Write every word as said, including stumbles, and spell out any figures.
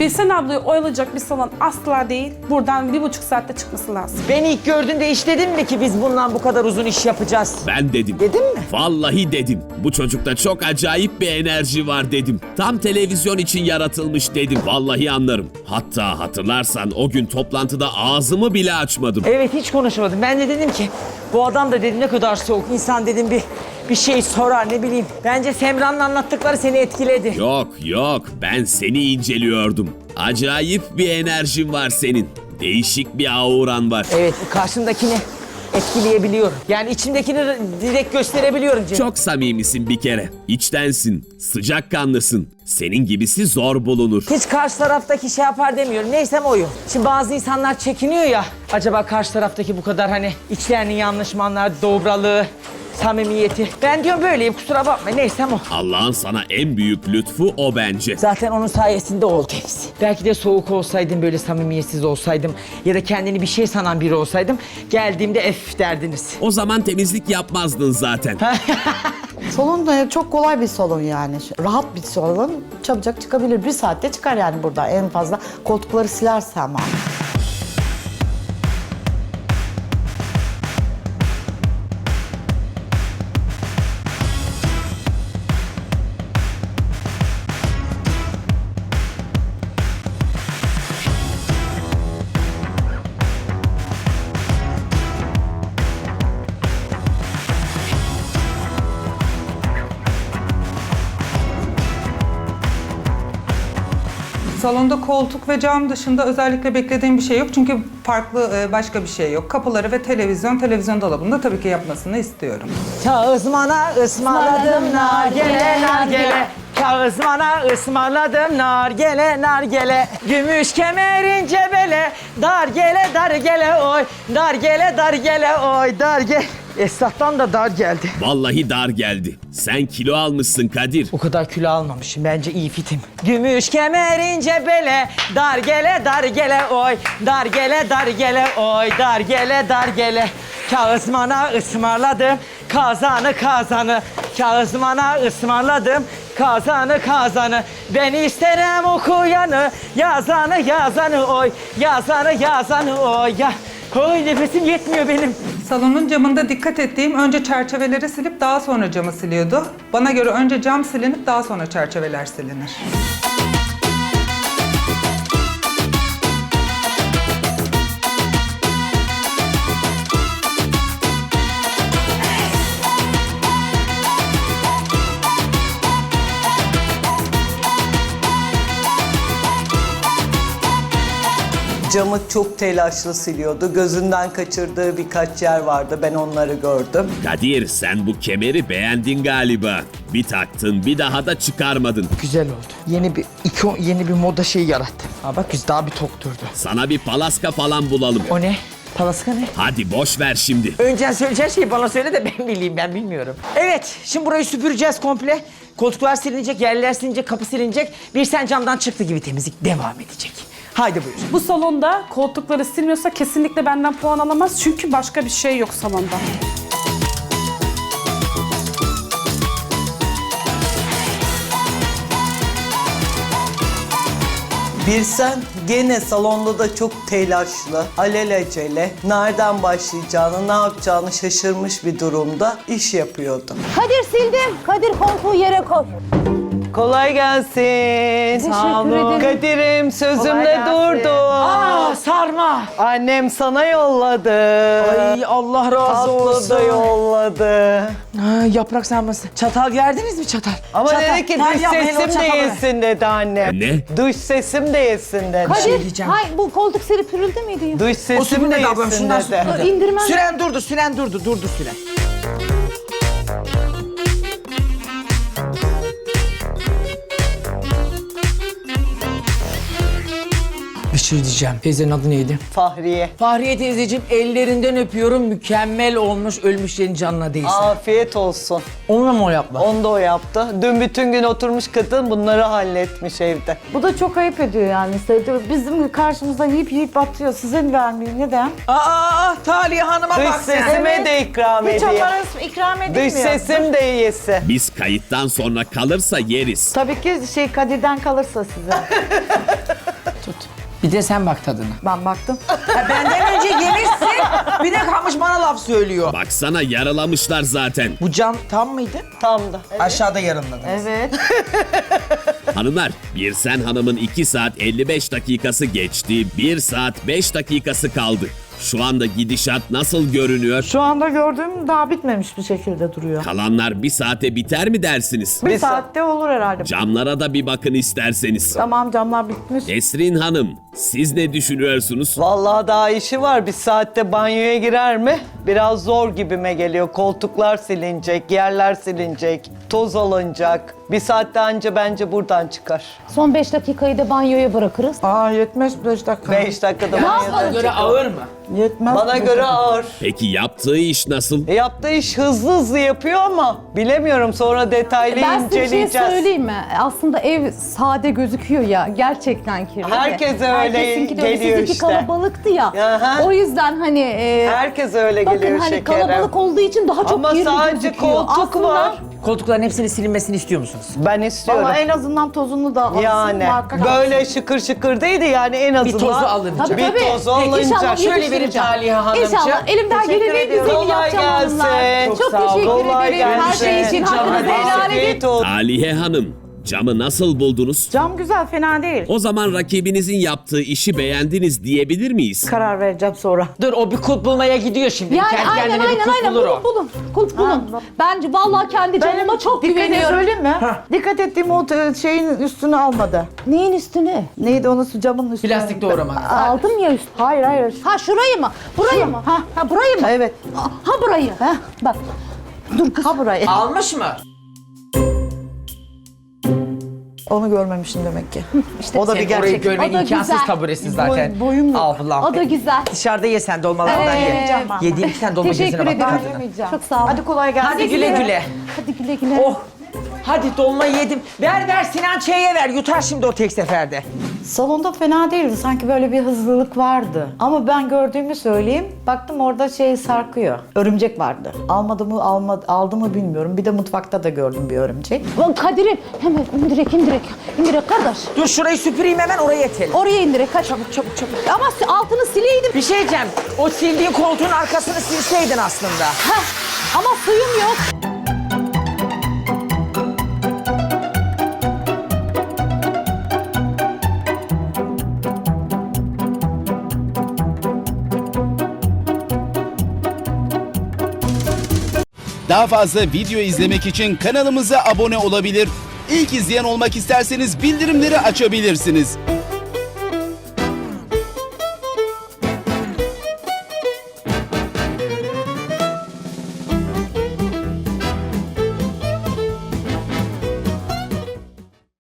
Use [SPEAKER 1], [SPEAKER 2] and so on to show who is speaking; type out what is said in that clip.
[SPEAKER 1] Gülsen ablayı oyalayacak bir salon asla değil. Buradan bir buçuk saatte çıkması lazım.
[SPEAKER 2] Beni ilk gördüğünde iş dedin mi ki biz bundan bu kadar uzun iş yapacağız?
[SPEAKER 3] Ben dedim.
[SPEAKER 2] Dedin mi?
[SPEAKER 3] Vallahi dedim. Bu çocukta çok acayip bir enerji var dedim. Tam televizyon için yaratılmış dedim. Vallahi anlarım. Hatta hatırlarsan o gün toplantıda ağzımı bile açmadım.
[SPEAKER 2] Evet, hiç konuşmadım. Ben de dedim ki bu adam da dedim ne kadar soğuk. İnsan dedim bir bir şey sorar, ne bileyim. Bence Semra'nın anlattıkları seni etkiledi.
[SPEAKER 3] Yok yok, ben seni inceliyordum. Acayip bir enerjin var senin. Değişik bir auran var.
[SPEAKER 2] Evet, karşımdakini etkileyebiliyorum. Yani içimdekini direkt gösterebiliyorum canım.
[SPEAKER 3] Çok samimisin bir kere. İçtensin, sıcakkanlısın. Senin gibisi zor bulunur.
[SPEAKER 2] Hiç karşı taraftaki şey yapar demiyorum. Neysem oyum. Şimdi bazı insanlar çekiniyor ya. Acaba karşı taraftaki bu kadar hani içlerinin yanlış mı anlar, dobralığı, samimiyeti. Ben diyorum böyleyim, kusura bakma. Neysem o.
[SPEAKER 3] Allah'ın sana en büyük lütfu o bence.
[SPEAKER 2] Zaten onun sayesinde oldu hepsi. Belki de soğuk olsaydım, böyle samimiyetsiz olsaydım ya da kendini bir şey sanan biri olsaydım geldiğimde ef derdiniz.
[SPEAKER 3] O zaman temizlik yapmazdın zaten.
[SPEAKER 4] Salon da çok kolay bir salon yani. Rahat bir salon. Çabucak çıkabilir. Bir saatte çıkar yani burada en fazla. Koltukları silerse ama.
[SPEAKER 5] Salonda koltuk ve cam dışında özellikle beklediğim bir şey yok. Çünkü farklı e, başka bir şey yok. Kapıları ve televizyon, televizyon dolabında tabii ki yapmasını istiyorum.
[SPEAKER 2] Kağızmana ısmarladım nargele nargele. Kağızmana ısmarladım nargele nargele. Gümüş kemerin cebele. Dar gele dar gele oy. Dar gele dar gele oy. Dar gele. Esnaftan da dar geldi.
[SPEAKER 3] Vallahi dar geldi. Sen kilo almışsın Kadir.
[SPEAKER 2] O kadar kilo almamışım. Bence iyi fitim. Gümüş kemerin cebele. Dar gele dar gele oy. Dar gele dar gele oy. Dar gele dar gele. Kağızmana ısmarladım. Kazanı kazanı. Kağızmana ısmarladım. Kazanı kazanı. Ben isterim okuyanı. Yazanı yazanı oy. Yazanı yazanı oy. Ya. Oy, nefesim yetmiyor benim.
[SPEAKER 5] Salonun camında dikkat ettiğim önce çerçeveleri silip daha sonra camı siliyordu. Bana göre önce cam silinip daha sonra çerçeveler silinir.
[SPEAKER 6] Camı çok telaşlı siliyordu. Gözünden kaçırdığı birkaç yer vardı. Ben onları gördüm.
[SPEAKER 3] Kadir, sen bu kemeri beğendin galiba. Bir taktın, bir daha da çıkarmadın.
[SPEAKER 2] Güzel oldu. Yeni bir ikon, yeni bir moda şey yarattım. Aa bak biz daha bir tok durdu.
[SPEAKER 3] Sana bir palaska falan bulalım.
[SPEAKER 2] O ne? Palaska ne?
[SPEAKER 3] Hadi boş ver şimdi.
[SPEAKER 2] Önce söyleyeceğin şeyi bana söyle de ben bileyim, ben bilmiyorum. Evet, şimdi burayı süpüreceğiz komple. Koltuklar silinecek, yerler silinecek, kapı silinecek. Bir sen camdan çıktı gibi temizlik devam edecek. Haydi buyur.
[SPEAKER 1] Bu salonda koltukları silmiyorsa kesinlikle benden puan alamaz. Çünkü başka bir şey yok salonda.
[SPEAKER 6] Birsen gene salonda da çok telaşlı, alelacele, nereden başlayacağını, ne yapacağını şaşırmış bir durumda iş yapıyordu.
[SPEAKER 7] Kadir sildim. Kadir koltuğu yere koy.
[SPEAKER 6] Kolay gelsin.
[SPEAKER 7] Teşekkür ederim.
[SPEAKER 6] Kadir'im sözümde durdu.
[SPEAKER 2] Aa sarma.
[SPEAKER 6] Annem sana yolladı.
[SPEAKER 2] Ay Allah razı
[SPEAKER 6] Tatlı
[SPEAKER 2] olsun.
[SPEAKER 6] da yolladı.
[SPEAKER 2] Ha, yaprak sarması. Çatal verdiniz mi çatal?
[SPEAKER 6] Ama
[SPEAKER 2] Çatal.
[SPEAKER 6] dedi ki
[SPEAKER 2] Ver
[SPEAKER 6] dış
[SPEAKER 2] ya, hele o
[SPEAKER 6] sesim de
[SPEAKER 2] çatalı ver.
[SPEAKER 6] yesin dedi annem.
[SPEAKER 3] Ne?
[SPEAKER 6] Dış sesim de yesin dedi.
[SPEAKER 7] Kadir,
[SPEAKER 2] diyeceğim.
[SPEAKER 7] hay bu koltuk seri pürüldü müydü ya?
[SPEAKER 6] Dış
[SPEAKER 2] O
[SPEAKER 6] sesim de
[SPEAKER 2] süpürme ablam
[SPEAKER 6] yesin
[SPEAKER 2] şundan
[SPEAKER 6] dedi.
[SPEAKER 2] süpürme.
[SPEAKER 7] İndirmem.
[SPEAKER 2] Süren durdu, süren durdu, durdu süren. Bir şey diyeceğim. Teyzenin adı neydi?
[SPEAKER 6] Fahriye.
[SPEAKER 2] Fahriye teyzeciğim ellerinden öpüyorum. Mükemmel olmuş. Ölmüşlerin canına değsin.
[SPEAKER 6] Afiyet olsun.
[SPEAKER 2] Onu mu o yapma?
[SPEAKER 6] Onu da o yaptı. Dün bütün gün oturmuş kadın bunları halletmiş evde.
[SPEAKER 4] Bu da çok ayıp ediyor yani. Bizim karşımızda yiyip yiyip atıyor. Size mi vermiyor? Neden?
[SPEAKER 2] Aa, Taliye Hanım'a
[SPEAKER 6] Dış
[SPEAKER 2] bak sen.
[SPEAKER 6] sesime de ikram
[SPEAKER 4] Hiç
[SPEAKER 6] edeyim.
[SPEAKER 4] onlara ikram edilmiyor.
[SPEAKER 6] Dış sesim de yesi.
[SPEAKER 3] Biz kayıttan sonra kalırsa yeriz.
[SPEAKER 4] Tabii ki şey Kadir'den kalırsa size.
[SPEAKER 2] Bir de sen bak tadına.
[SPEAKER 4] Ben baktım.
[SPEAKER 2] Ha, benden önce yemişsin. Bir de kalmış bana laf söylüyor.
[SPEAKER 3] Baksana yaralamışlar zaten.
[SPEAKER 2] Bu cam tam mıydı?
[SPEAKER 6] Tam da.
[SPEAKER 2] Aşağıda yarımladınız.
[SPEAKER 4] Evet.
[SPEAKER 3] Hanımlar, Birsen Hanım'ın iki saat elli beş dakikası geçti. bir saat beş dakikası kaldı. Şu anda gidişat nasıl görünüyor?
[SPEAKER 4] Şu anda gördüğüm daha bitmemiş bir şekilde duruyor.
[SPEAKER 3] Kalanlar bir saate biter mi dersiniz?
[SPEAKER 4] Bir
[SPEAKER 6] Bir saat.
[SPEAKER 4] saatte olur herhalde.
[SPEAKER 3] Camlara da bir bakın isterseniz.
[SPEAKER 4] Tamam, camlar bitmiş.
[SPEAKER 3] Esrin Hanım, siz ne düşünüyorsunuz?
[SPEAKER 6] Vallahi daha işi var. Bir saatte banyoya girer mi? Biraz zor gibime geliyor. Koltuklar silinecek, yerler silinecek, toz alınacak. Bir saatte anca bence buradan çıkar.
[SPEAKER 7] Son beş dakikayı da banyoya bırakırız.
[SPEAKER 4] Aa, yetmez beş dakika.
[SPEAKER 6] Beş dakikada banyodan
[SPEAKER 2] Göre ağır mı?
[SPEAKER 4] Yetmez.
[SPEAKER 6] Bana
[SPEAKER 4] beş
[SPEAKER 6] göre
[SPEAKER 4] dakika.
[SPEAKER 6] ağır.
[SPEAKER 3] Peki yaptığı iş nasıl?
[SPEAKER 6] E, yaptığı iş hızlı hızlı yapıyor ama bilemiyorum, sonra detaylı
[SPEAKER 7] Ben size bir şey
[SPEAKER 6] inceleyeceğiz.
[SPEAKER 7] söyleyeyim mi? Aslında ev sade gözüküyor ya. Gerçekten kirli.
[SPEAKER 6] Herkese öyle
[SPEAKER 7] Herkesinki de öyle.
[SPEAKER 6] geliyor
[SPEAKER 7] Sizinki
[SPEAKER 6] işte.
[SPEAKER 7] kalabalıktı ya.
[SPEAKER 6] Aha.
[SPEAKER 7] O yüzden hani... e,
[SPEAKER 6] Herkes öyle
[SPEAKER 7] bakın
[SPEAKER 6] geliyor
[SPEAKER 7] hani
[SPEAKER 6] şekerim.
[SPEAKER 7] kalabalık olduğu için daha çok
[SPEAKER 6] Ama
[SPEAKER 7] kirli
[SPEAKER 6] sadece
[SPEAKER 7] gözüküyor.
[SPEAKER 6] koltuk
[SPEAKER 7] Aslında
[SPEAKER 6] var.
[SPEAKER 2] Koltukların hepsinin silinmesini istiyor musunuz?
[SPEAKER 6] Ben istiyorum.
[SPEAKER 4] Ama en azından tozunu da alsın.
[SPEAKER 6] Yani
[SPEAKER 4] muhakkak
[SPEAKER 6] böyle şıkır şıkır değil de yani en azından
[SPEAKER 2] tozu alınacak.
[SPEAKER 7] Tabii
[SPEAKER 6] bir
[SPEAKER 7] tabii.
[SPEAKER 6] tozu alınacak.
[SPEAKER 7] İnşallah
[SPEAKER 2] Şöyle
[SPEAKER 7] yetiştireceğim.
[SPEAKER 2] vereyim Taliha Hanımcığım.
[SPEAKER 7] İnşallah. Elimden
[SPEAKER 2] Teşekkür
[SPEAKER 7] gelen en
[SPEAKER 2] ediyorum.
[SPEAKER 7] güzelini
[SPEAKER 6] Kolay
[SPEAKER 7] yapacağım
[SPEAKER 6] gelsin.
[SPEAKER 7] hanımlar.
[SPEAKER 6] Çok
[SPEAKER 7] Çok,
[SPEAKER 2] sağ ol.
[SPEAKER 7] teşekkür
[SPEAKER 6] Kolay
[SPEAKER 7] ederim. Her şey
[SPEAKER 6] gelsin.
[SPEAKER 7] için
[SPEAKER 6] Canım,
[SPEAKER 7] hakkınızı helal edin.
[SPEAKER 6] afiyet olsun.
[SPEAKER 3] Aliye Hanım, camı nasıl buldunuz?
[SPEAKER 4] Cam güzel, fena değil.
[SPEAKER 3] O zaman rakibinizin yaptığı işi beğendiniz diyebilir miyiz?
[SPEAKER 4] Karar vereceğim sonra.
[SPEAKER 2] Dur o bir kulp bulmaya gidiyor şimdi.
[SPEAKER 7] Yani
[SPEAKER 2] Kendi
[SPEAKER 7] aynen
[SPEAKER 2] kendine bir
[SPEAKER 7] aynen
[SPEAKER 2] kulp
[SPEAKER 7] aynen
[SPEAKER 2] bulur
[SPEAKER 7] bulun
[SPEAKER 2] o.
[SPEAKER 7] bulun. Kulp bulun.
[SPEAKER 4] bak.
[SPEAKER 7] Bence vallahi kendi canıma çok
[SPEAKER 4] Dikkat et,
[SPEAKER 7] güveniyorum.
[SPEAKER 4] söyleyeyim mi? Dikkat ettiğim o t- şeyin üstünü almadı.
[SPEAKER 7] Neyin üstüne?
[SPEAKER 4] Neydi onun camın üstüne?
[SPEAKER 2] Plastik doğramanız.
[SPEAKER 7] Aldım ya üst.
[SPEAKER 4] Hayır hayır.
[SPEAKER 7] Ha şurayı mı? Burayı mı? Ha, ha burayı mı?
[SPEAKER 4] Evet.
[SPEAKER 7] Ha burayı. Ha bak. Dur kız.
[SPEAKER 4] Ha burayı.
[SPEAKER 2] Almış mı?
[SPEAKER 4] Onu görmemişim demek ki.
[SPEAKER 7] İşte
[SPEAKER 4] o da bir
[SPEAKER 2] Senin orayı
[SPEAKER 4] gerçek.
[SPEAKER 2] görmen
[SPEAKER 7] O da
[SPEAKER 2] imkansız
[SPEAKER 7] güzel.
[SPEAKER 2] taburesi zaten.
[SPEAKER 4] Boy- boyum yok.
[SPEAKER 2] Allah'ım.
[SPEAKER 7] O da güzel.
[SPEAKER 2] Dışarıda ye sen dolmalardan
[SPEAKER 7] Ee,
[SPEAKER 2] ye.
[SPEAKER 4] yiyeceğim ben.
[SPEAKER 2] Yediğin iki tane dolma
[SPEAKER 7] Teşekkür
[SPEAKER 2] gözüne bak.
[SPEAKER 7] ederim.
[SPEAKER 2] tadına.
[SPEAKER 4] Yemeyeceğim.
[SPEAKER 7] Çok sağ ol.
[SPEAKER 4] Hadi kolay gelsin.
[SPEAKER 2] Hadi güle güle.
[SPEAKER 7] Hadi güle güle.
[SPEAKER 2] Oh. Hadi dolma yedim. Ver ver Sinan Ç'ye ver. Yutar şimdi o tek seferde.
[SPEAKER 4] Salonda fena değildi. Sanki böyle bir hızlılık vardı. Ama ben gördüğümü söyleyeyim. Baktım orada şey sarkıyor. Örümcek vardı. Almadı mı almadı, aldı mı bilmiyorum. Bir de mutfakta da gördüm bir örümcek.
[SPEAKER 7] Lan Kadir'im hemen indirek indirek. İndirek kardeş.
[SPEAKER 2] Dur şurayı süpüreyim hemen oraya etelim.
[SPEAKER 7] Oraya indirek. Kaç. Çabuk çabuk çabuk. Ama si- altını sileydim.
[SPEAKER 2] Bir şey diyeceğim. O sildiğin koltuğun arkasını silseydin aslında.
[SPEAKER 7] Heh. Ama suyum yok.
[SPEAKER 8] Daha fazla video izlemek için kanalımıza abone olabilir. İlk izleyen olmak isterseniz bildirimleri açabilirsiniz.